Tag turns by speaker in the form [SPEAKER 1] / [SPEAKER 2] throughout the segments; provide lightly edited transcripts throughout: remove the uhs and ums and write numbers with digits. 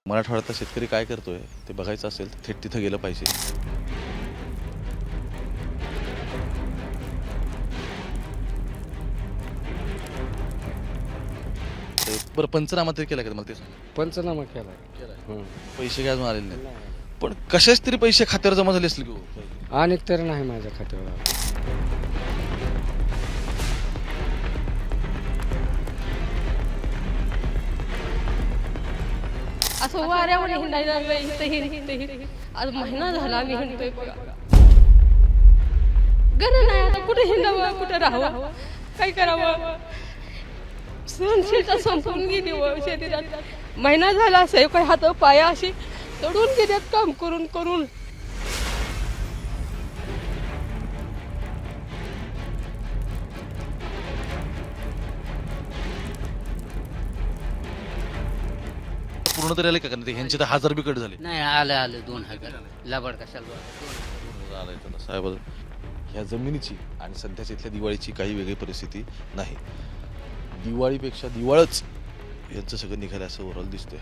[SPEAKER 1] मराठवाड्यातला शेतकरी काय करतोय ते बघायचं असेल तर थेट तिथं गेलं पाहिजे. बरं, पंचनामा तरी केला का मला ते सांग.
[SPEAKER 2] पंचनामा केला.
[SPEAKER 1] पैसे काय अजून आलेले नाही, पण कशाच तरी पैसे खात्यावर जमा झाले असतील की हो?
[SPEAKER 2] अनेक तर नाही माझ्या खात्यावर.
[SPEAKER 3] असं वाऱ्यावर हिंडायला लागलं. आज महिना झाला आम्ही हिंडतोय बघा. गरज नाही आता कुठे हिंडावं, कुठे राहावं, काय करावं. सहनशीलता संपून गेली व शरीरात. महिना झाला असं काही हात पाया अशी तडून गेल्यात काम करून करून.
[SPEAKER 1] पूर्ण तरी आले का? कारण ते ह्यांचे तर 1000 बी कट झाले.
[SPEAKER 4] नाही आलं 2000 लबाड कशाला
[SPEAKER 1] आलंय त्याला साहेब. ह्या जमिनीची आणि सध्याच्या इथल्या दिवाळीची काही वेगळी परिस्थिती नाही. दिवाळीपेक्षा दिवाळच यांचं सगळं निघालं असं ओव्हरऑल दिसतंय.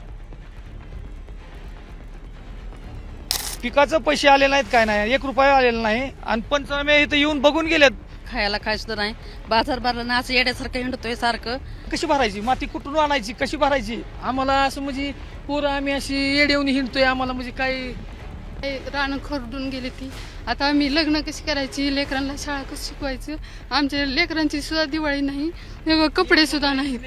[SPEAKER 5] पिकाचं पैसे आले नाहीत, काय नाही, 1 रुपया आलेला नाही. आणि पंचनामे इथं येऊन बघून गेलेत.
[SPEAKER 3] खायला काय सुद्धा नाही. बाजार भरला ना असं येड्यासारखं हिंडतोय सारखं.
[SPEAKER 5] कशी भरायची माती, कुठून आणायची, कशी भरायची. आम्हाला असं म्हणजे पोरं आम्ही अशी येडेवून हिंडतोय. आम्हाला म्हणजे काही
[SPEAKER 6] रानं खरडून गेली ती. आता आम्ही लग्न कशी करायची, लेकरांना शाळा कसं शिकवायचं. आमच्या लेकरांची सुद्धा दिवाळी नाही, कपडे सुद्धा नाहीत.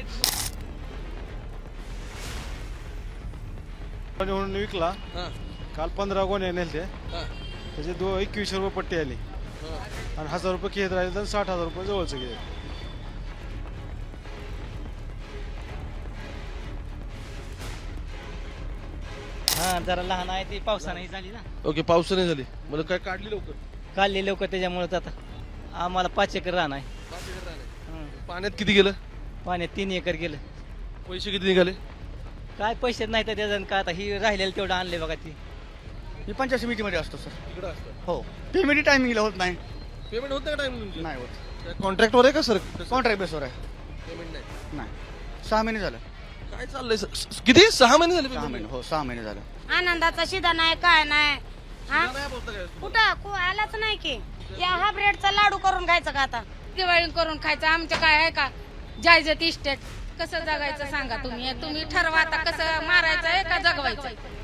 [SPEAKER 7] म्हणून विकला काल 15 गोण्या नेलते. त्याचे 2100 रुपये पट्टी आली आणि 1000 रुपये घेत राहिले तर 60,000 रुपये जवळचं घे.
[SPEAKER 4] हा जरा लहान आहे ती पावसाने झाली ना.
[SPEAKER 1] ओके, पावसाने झाली मला काय काढली लवकर.
[SPEAKER 4] काढले लवकर त्याच्यामुळे आता आम्हाला 5 एकर रान आहे.
[SPEAKER 1] पाण्यात किती गेलं?
[SPEAKER 4] पाण्यात 3 एकर गेलं.
[SPEAKER 1] पैसे किती निघाले?
[SPEAKER 4] काय पैसे नाही तर त्याचं काय आता ही राहिलेलं तेवढं आणले बघा ती.
[SPEAKER 8] मी पंचायत समितीमध्ये असतो सर.
[SPEAKER 1] इकडे असतं.
[SPEAKER 8] हो, पेमेंट टायमिंगला होत नाही.
[SPEAKER 1] पेमेंट होतं का टाइम?
[SPEAKER 8] नाही होत.
[SPEAKER 1] कॉन्ट्रॅक्टवर आहे का सर?
[SPEAKER 8] कॉन्ट्रॅक्ट बेसवर आहे.
[SPEAKER 1] पेमेंट नाही.
[SPEAKER 8] 6 महिने झालं.
[SPEAKER 1] काय चाललंय किती? 6 महिने झाले.
[SPEAKER 8] 6 महिने, हो 6 महिने झालं.
[SPEAKER 9] आनंदाचा शिदा नाही, काय नाही. हा कुठं आलाच नाही की. या हा ब्रेडचा लाडू करून खायचा का आता?
[SPEAKER 3] दिवाळी करून खायचं. आमच्या काय आहे का जायजत इस्टेट. कसं जगायचं सांगा तुम्ही. तुम्ही ठरवा आता कसं मारायचं आहे का जगवायचं.